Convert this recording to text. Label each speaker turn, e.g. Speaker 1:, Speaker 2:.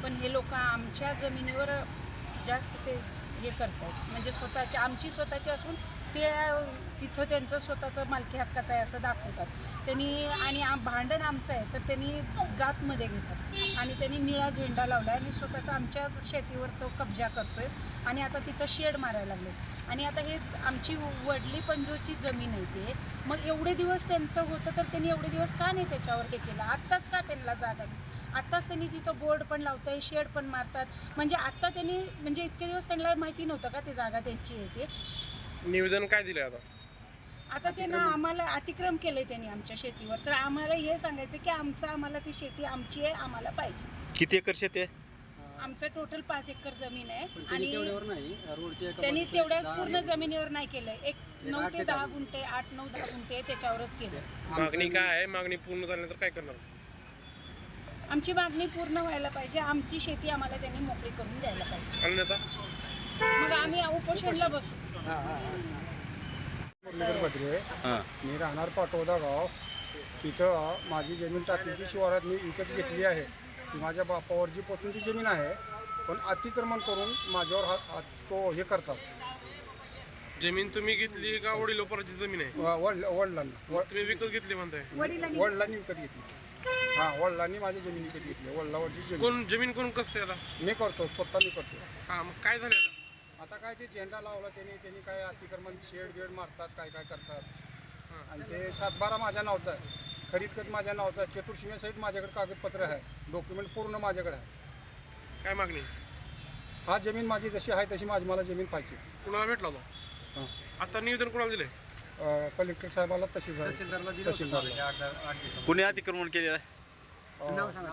Speaker 1: पण हे लोक आमच्या जमिनीवर जास्त ते हे करतात, म्हणजे स्वतःची आमची स्वतःची असून ते तिथं त्यांचं स्वतःचं मालकी हक्काचं आहे असं दाखवतात त्यांनी. आणि भांडण आमचं आहे तर त्यांनी जातमध्ये घेतात आणि त्यांनी निळा झेंडा लावला आणि स्वतःचा आमच्या शेतीवर तो कब्जा करतोय आणि आता तिथं शेड मारायला लागले. आणि आता हे आमची वडली पंजोची जमीन आहे ते, मग एवढे दिवस त्यांचं होतं तर त्यांनी एवढे दिवस का नाही त्याच्यावर हे केलं? आत्ताच का त्यांना जागा नाही? आत्ताच त्यांनी तिथं बोर्ड पण लावत आहे, शेड पण मारतात, म्हणजे आत्ता त्यांनी म्हणजे इतके दिवस त्यांना माहिती नव्हतं का ती जागा त्यांची आहे ते?
Speaker 2: निवेदन काय दिलं
Speaker 1: आता त्यांना आम्हाला अतिक्रम केलंय त्यांनी आमच्या शेतीवर, तर आम्हाला हे सांगायचं की आम्हाला ती शेती आमची आहे, आम्हाला पाहिजे.
Speaker 3: किती एकर शेती आहे?
Speaker 1: आमचं टोटल 5 एकर जमीन आहे आणि त्यांनी तेवढ्या पूर्ण जमिनीवर नाही केलंय. 9 ते 10 गुंठे, 8-9-10 गुंठे त्याच्यावरच केलं.
Speaker 2: मागणी काय आहे? मागणी पूर्ण झाल्यानंतर काय करणार?
Speaker 1: आमची मागणी पूर्ण व्हायला पाहिजे, आमची शेती आम्हाला त्यांनी मोकळी करून द्यायला पाहिजे.
Speaker 2: अन्यथा
Speaker 1: मग आम्ही उपोषणला बसू.
Speaker 4: मी राहणार पाटोदा गाव. तिथं माझी जमीन टाकीची शिवारात मी विकत घेतली आहे. ती माझ्या बापावरची पासूनची जमीन आहे, पण अतिक्रमण करून माझ्यावर तो हे करतात.
Speaker 2: जमीन तुम्ही घेतली का वडिलोपराची जमीन आहे?
Speaker 4: वडिलांना.
Speaker 2: तुम्ही विकत घेतली म्हणताय?
Speaker 4: वडिलांनी विकत घेतली. हां, वडिलांनी माझी जमीन विकत घेतली. वडिलावरची जमीन.
Speaker 2: कोण जमीन कोण कसते आता?
Speaker 4: मी करतो, स्वतः मी करतो.
Speaker 2: हां, मग काय झालं आता?
Speaker 4: आता काय ते झेंडा लावला त्यांनी काय अतिक्रमण शेड मारतात, काय करतात. आणि ते 7-12 माझ्या नावचं आहे, खरीद खत माझ्या नावचं आहे, चतुर्सीमेसहित माझ्याकडे कागदपत्र आहे, डॉक्युमेंट पूर्ण माझ्याकडे आहे.
Speaker 2: काय मागणी?
Speaker 4: हा जमीन माझी जशी आहे तशी मला जमीन पाहिजे.
Speaker 2: कुणाला भेटला होता?
Speaker 4: हां,
Speaker 2: आता निवेदन कोणाला दिलंय?
Speaker 4: कलेक्टर साहेबाला तहसीलदारला.
Speaker 3: कुणी अतिक्रमण केलेलं आहे?